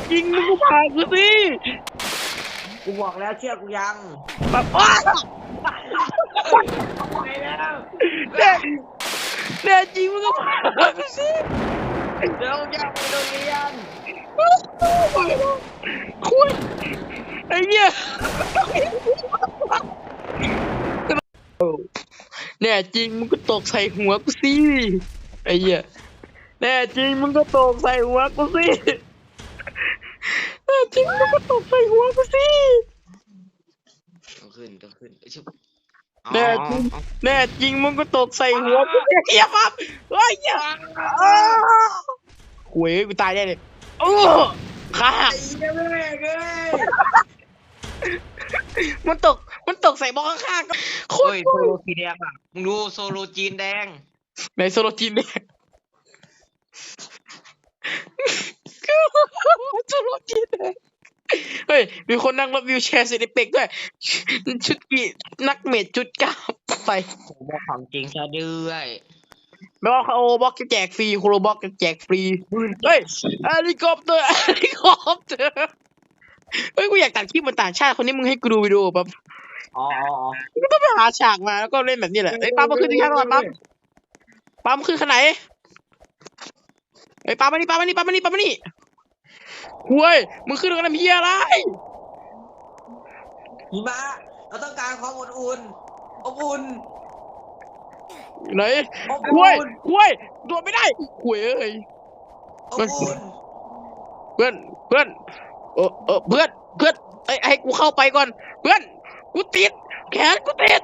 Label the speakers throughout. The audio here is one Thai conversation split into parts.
Speaker 1: จริงมึงก็พากูสิ
Speaker 2: กูบอกแล้วเชื่อกูยัง
Speaker 1: แบบว้า
Speaker 2: ไปแล้ว
Speaker 1: แน่จริงมึงก็พากูสิ
Speaker 2: เดี๋ยวจะไปโรงเรียน
Speaker 1: คุณไอ้เนี่ยแน่จริงมึงก็ตกใส่หัวกูสิไอ้เหี้ยแน่จริงมึงก็ตกใส่หัวกูสิแน่จริงมึงก็ตกใส่หัวกูสิ
Speaker 2: ต้องขึ้น
Speaker 1: แน่จริงแน่จริงมึงก็ตกใส่หัวกูเหี้ยปั๊บเฮ้ยเหี้ยหวยกูตายได้เลยขาหักมันตกใส่บล็อกข้างๆก็โคตร
Speaker 2: โซโลสีแดงอ่ะมึงดูโซโลจีนแดง
Speaker 1: ในโซโลจีนเนี่ยโซโลจีนเนี่ยเฮ้ยมีคนนั่งรถวิวแชร์เซนิเปกด้วยชุดกี่นักเมดชุดก้าวไป
Speaker 2: ผมบอกของจริงซะด้วย
Speaker 1: ไม่ว่าโอบล็อกจะแจกฟรีโคโรบล็อกจะแจกฟรีเฮ้ยเฮลิคอปเตอร์เฮ้ยกูอยากตัดคลิปมันต่างชาติคนนี้มึงให้กูดูวิดีโอแบบก็ต้องไปหาฉากมาแล้วก็เล่นแบบนี้แหละไอ้ปั๊มมาขึ้นที่ข้างก่อนปั๊มขึ้นขนาดไหนไอ้ปั๊มมานี่ห่วยมึงขึ้นกันทำเหี้ยอะไร
Speaker 2: หิมะเราต้องการความอบอุ่น
Speaker 1: ไหนห่วยโดดไม่ได้ห่วยเอ้ย
Speaker 2: อบอุ่น
Speaker 1: เพื่อนเพื่อนไอ้ให้กูเข้าไปก่อนเพื่อนกูติดแขนกูติด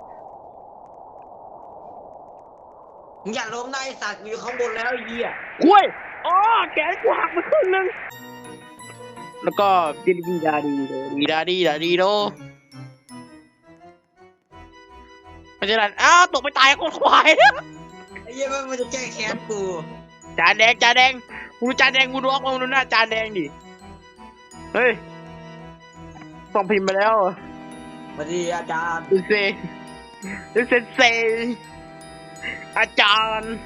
Speaker 2: มึงอย่าล้มนะไอ้สัตว์อยู่ข้างบนแล้วไอ้เหี้ย
Speaker 1: ห่วยแขนกูหักมาครึ่งนึงแล้วก็ดีดาดีโดมันจะนั่นตกไปตายคนควาย
Speaker 2: ไอ้เหี้ยมันจะแก้แค้นกู
Speaker 1: จานแดงกูจานแดงกูดูออกมาดูหน้าจานแดงดิเฮ้ยส่งพิมพ์ไปแล้ว
Speaker 2: สวัสดีอาจารย์
Speaker 1: ดูเซอาจารย์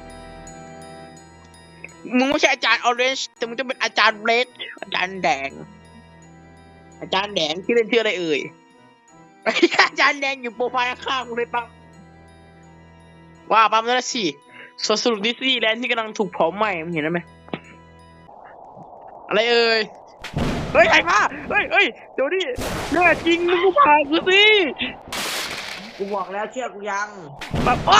Speaker 1: มึงไม่ใช่อาจารย์ออเรนจ์แต่มึงจะเป็นอาจารย์เรดอาจารย์แดงที่เล่นชื่ออะไรเอ่ยอาจารย์แดงอยู่โปรไฟล์ข้างกูเลยปั๊มว่าปั๊มนั่นสิสรุปดิสนีย์แลนด์ที่กำลังถูกเผาไหม้มึงเห็นไหมอะไรเอ่ยเฮ้ยไอ้มาเฮ้ยเดี๋ยวดิแน่จริงมึงก็พากูสิ
Speaker 2: กูบอกแล้วเชื่อกูยัง
Speaker 1: แบบ
Speaker 2: ไป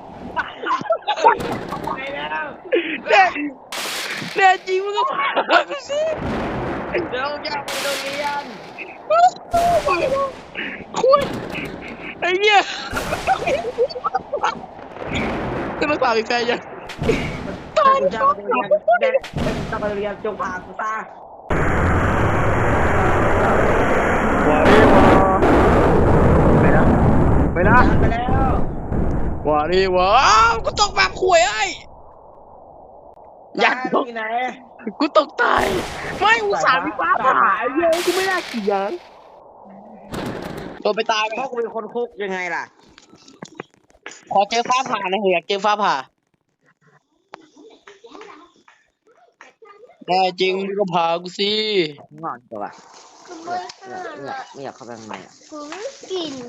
Speaker 2: แล้ว
Speaker 1: แน่จริงมึงก็พากูสิ
Speaker 2: เดี๋ยวจะไปโรงเรียน
Speaker 1: คุณไอ้เหี้ยจะมาฝากอีกแฟนยัง
Speaker 2: ตายจะไปเรียนจงพากูตา
Speaker 1: ไปแล้วว่าดิวะกูตกแบบข่วยไอ้
Speaker 2: ยันตกไหน
Speaker 1: กูตกตายไม่อุตส่าห์มีฟ้าผ่าเยอะกูไม่น่าเกี่ยงตัวไปตาย
Speaker 2: เพราะกูเป็นคนคุกยังไงล่ะ
Speaker 1: ขอเจอฟ้าผ่านะเฮียเจอฟ้าผ่าแน่จริงก็พากูสิ
Speaker 2: งอนตัวไม่อยากเข้าไปข้างในอ่ะ
Speaker 3: กิน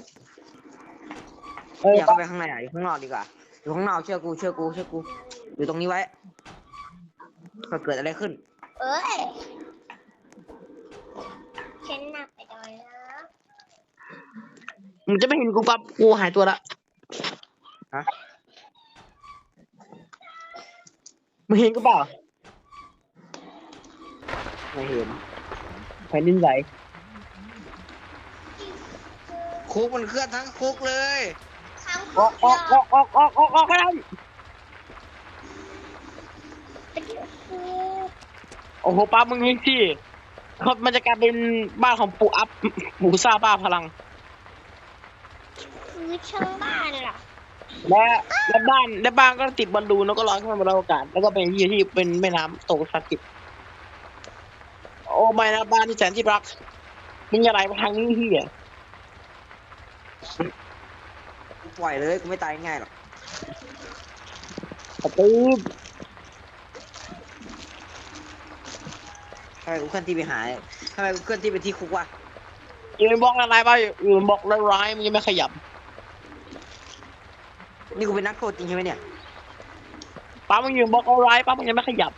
Speaker 2: อยากเข้าไปข้างในอ่ะอยู่ข้างนอกดีกว่าอยู่ข้างนอกเชื่อกูอยู่ตรงนี้ไว้เกิดอะไรขึ้น
Speaker 3: ฉันหนักไปหน่อยนะ
Speaker 1: มึงจะไม่เห็นกูปั๊บกูหายตัวละ
Speaker 2: ฮะ
Speaker 1: มึงเห็นกูเปล่า
Speaker 2: ไม่เห็น
Speaker 1: แผ่นดินไหว
Speaker 2: คุกมันเคลื่อนทั้งคุกเลย
Speaker 1: ออกไปแล้วโอ้โหป้ามึงเห็นสิเขามันจะกลายเป็นบ้านของปู่อัพปู่ซ่าบ้าพลัง
Speaker 3: คือช่างบ้านเหรอ
Speaker 1: และบ้านก็ติดบอลลูนแล้วก็ลอยขึ้นมาบนอากาศแล้วก็เป็นที่เป็นแม่น้ำตกศักดิ์สิทธิ์โอ้ไม่นะบ้านที่แสนที่รักมึงอย่าไหลมาทางนี้ที่อ่ะ
Speaker 2: ปล่อยเลยกูไม่ตายง่ายหรอก
Speaker 1: กระตือ
Speaker 2: ไปมกูเคลื่อนที่ไปหาทำไมกูเคลื่อนที่ไปที่คุกวะ
Speaker 1: อยู่ในบล็อกอะไรบ้างอยู่ในบล็อกร้ายๆมึงยังไม่ขยับ
Speaker 2: นี่กูเป็นนักโทษจริงใช่ไหมเนี่ย
Speaker 1: ป้ามึงอยู่ในบล็อกร้ายป้ามึงยังไม่ขยับ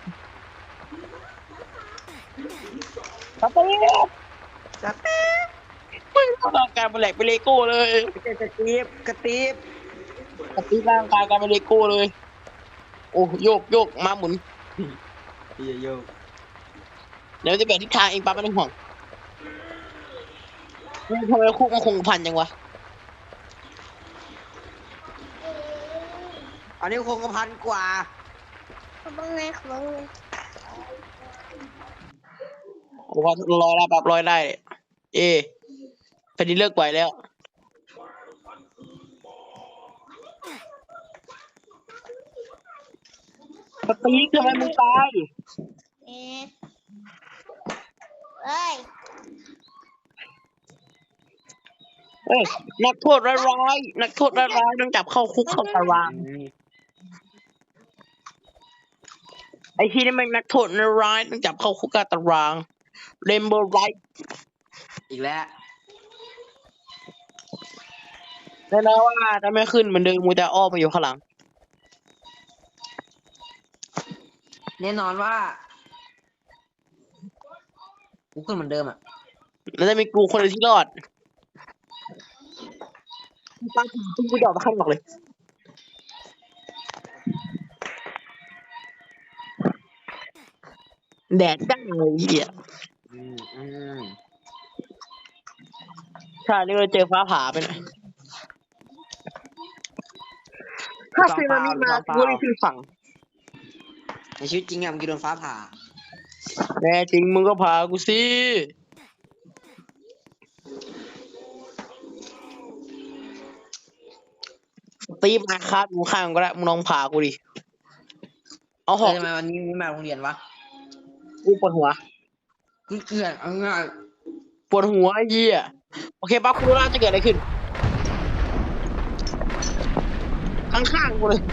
Speaker 1: สตีฟ
Speaker 2: กระตีบ
Speaker 1: มึงร่างกายมันแหลกเป็นเลโก้เลย
Speaker 2: กระตีบกระตีบ
Speaker 1: สตีฟร่างกายกลายเป็นเลโก้เลย โอ้โยกโยกมาหมุน
Speaker 2: โย
Speaker 1: เดี๋ยวจะเปลี่ยนทิศทางเองป้าไม่ต้องห่วงทำไมคุกมันคงพันจังวะ
Speaker 2: อันนี้คงกระพันกว่า
Speaker 3: เขาบ้างไงเขาบ้างไง
Speaker 1: บอกว่าลอยได้ปั๊บลอยได้ เอแผ่นดินเลิกไหวแล้วสตีฟทำไมมึงตาย
Speaker 3: เอ๊ะเอ้ย
Speaker 1: เฮ้ยนักโทษร้ายๆนักโทษร้ายๆต้องจับเข้าคุกเข้าตารางไอ้ที่นี่มันนักโทษร้ายต้องจับเข้าคุกเข้าตารางเรนโบว์ไรท์
Speaker 2: อีกแล้ว
Speaker 1: แน่นอนว่าจะไม่ขึ้นเหมือนเดิมมูแต่อ้อมมาอยู่ข้างหลัง
Speaker 2: แน่นอนว่ากูขึ้นเหมือนเดิมอ่ะ
Speaker 1: แล้วจะมีกูคนเดียวที่รอดตั้งตุ้งกูดอกมาข้างนอกเลยแดดจ้างเลยเหี้ย
Speaker 2: อืมอืม
Speaker 1: ใช่นี่เราเจอฟ้าผ่าไปนะถ้าซึนามิมากูไม่ขึ้นฝั่ง
Speaker 2: ในชีวิตจริงอะมึงกินโดนฟ้าผ่า
Speaker 1: แน่จริงมึงก็พากูสิตีมาคาดกูข้างก็ได้มึงลองพากูดิเอาหอก
Speaker 2: ทำไมวันนี้ไม่มาโรงเรียนวะ
Speaker 1: กูปวดหัว
Speaker 2: กูเกลียดเอาง่าย
Speaker 1: ปวดหัวไอ้เหี้ยโอเคปั๊บกูรู้แล้วจะเกิดอะไรขึ้นข้างๆกูเลย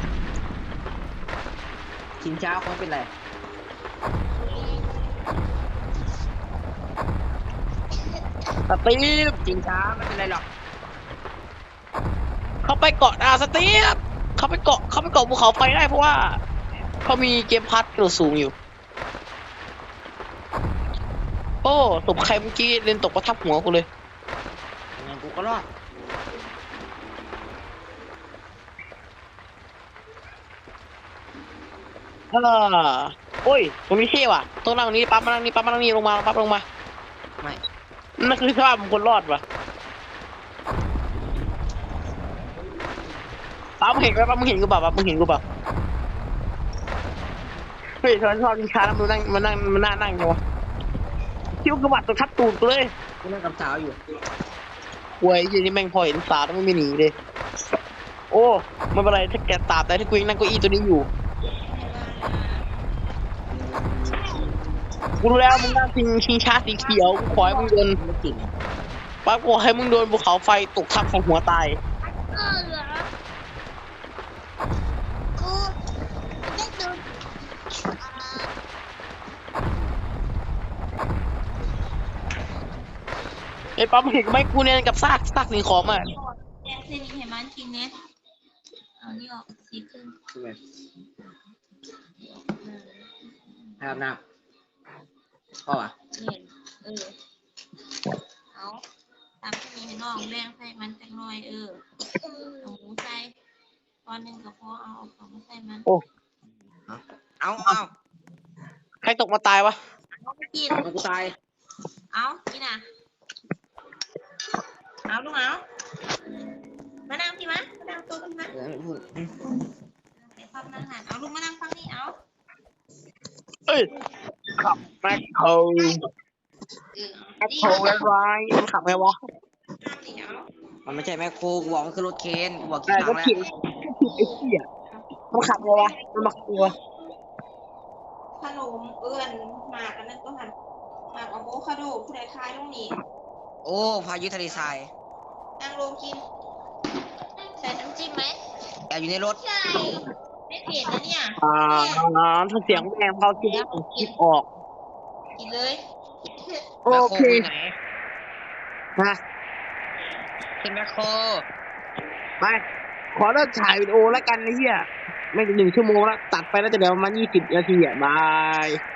Speaker 2: ชิงช้าคงเป็นไร
Speaker 1: สตีฟ
Speaker 2: ชิงช้าไม่เป็นไรหรอก
Speaker 1: เขาไปเกาะสตีฟเขาไปเกาะภูเขาไฟได้เพราะว่าเขามีเกมพัดกระโดดสูงอยู่โอ้ตบใครเมื่อกี้เล่นตกประทับหัวกูเลย
Speaker 2: ยังไงกูก็รอด
Speaker 1: โอ้ยตรงนี้เท่ว่ะต้องนั่งตรงนี้ปั๊บมานั่งนี่ปั๊บมานั่งนี่ลงมาปั๊บลงมา
Speaker 2: ไม่
Speaker 1: นั่นคือสภาพของคนรอดว่ะปั๊บมึงเห็นไหมปั๊บมึงเห็นกูเปล่าปั๊บมึงเห็นกูเปล่าเฮ้ยชอบกินชาแล้วมันนั่งนั่งจังวะคิ้วกระบาดตัวทับตูดกูเลย
Speaker 2: กูนั่งกับสาวอยู่
Speaker 1: หวยยี่นี่แม่งพอเห็นสาวแล้วไม่หนีเลยโอ้ไม่เป็นไรถ้าแกตาบแต่ถ้ากูยังนั่งเก้าอี้ตัวนี้อยู่กูรู้แล้วมึงนั่งชิงช้าสีเขียวกูขอให้มึงโดน
Speaker 2: ไม่จริง
Speaker 1: ป้ากูให้มึงโดนภูเขาไฟตกทับของหัวตาย
Speaker 3: เหรอกูได้ดู
Speaker 1: ไอ้ปั๊มเห็นไหมกูเนี่ยกับซากสิ่งของอ่ะ
Speaker 4: แยกเส้นนี้ให้มันกินเน็ตเอานี่ออกสีครึ่ง
Speaker 2: ใช่ไหมให้อาบน้ำพ่ออ่ะ
Speaker 4: เนี่ยเอาตามที่มีให้น้องแบ่งใส่มันจังหน่อยเอาหมูใส่ตอนหนึ่งก็พอเอาของมาใส่มัน
Speaker 2: เอา
Speaker 1: ใครตกมาตายวะ
Speaker 4: เอาไปกิน
Speaker 2: มันกูตาย
Speaker 4: เอากินอ่ะเอาลูกเอามานั่งพี่มะมานั่งตัวพี่มะ
Speaker 2: ไม่พูด
Speaker 4: เดี๋ยวฟังนั่งหันเอาลูกมานั่งฟังนี่เอา
Speaker 1: เอ้ยขับแม็กโคแม็กโคร้ายมันขับไงวะ
Speaker 4: นี่เอา
Speaker 2: มันไม่ใช่แม่โคกูบอกมันคือรถเคนกูบอก
Speaker 1: แต่
Speaker 2: กี่ค
Speaker 1: ก็
Speaker 2: รั้งแล้ว
Speaker 1: ผิดไอ้เหี้ยมันขับไงวะมันมาขับไงวะ
Speaker 4: ขนมหมากอันนั้นก็หันหมากอะโวคาโดผู้ใดคลายลงนี่
Speaker 2: โอ้พายุทะเลทราย
Speaker 4: นั่งลงกิน ใส่น้ำจิ้มไหม
Speaker 2: แอบอยู่ในรถ
Speaker 4: ใช่ไม่เผ็ดนะเนี่ย
Speaker 1: ถ้าเสียงแม่งเขาคิดออก
Speaker 4: กินเลย
Speaker 1: โอ
Speaker 2: แมคโคร
Speaker 1: เค
Speaker 2: อยู่ไหน
Speaker 1: นะ
Speaker 2: ขึ้นแมคโคร
Speaker 1: ไปขอเลิกถ่ายวิดีโอแล้วกันไอ้เหี้ยไม่ถึง1 ชั่วโมงแล้วตัดไปแล้วจะเดี๋ยวประมาณ20 นาทีอ่ะบาย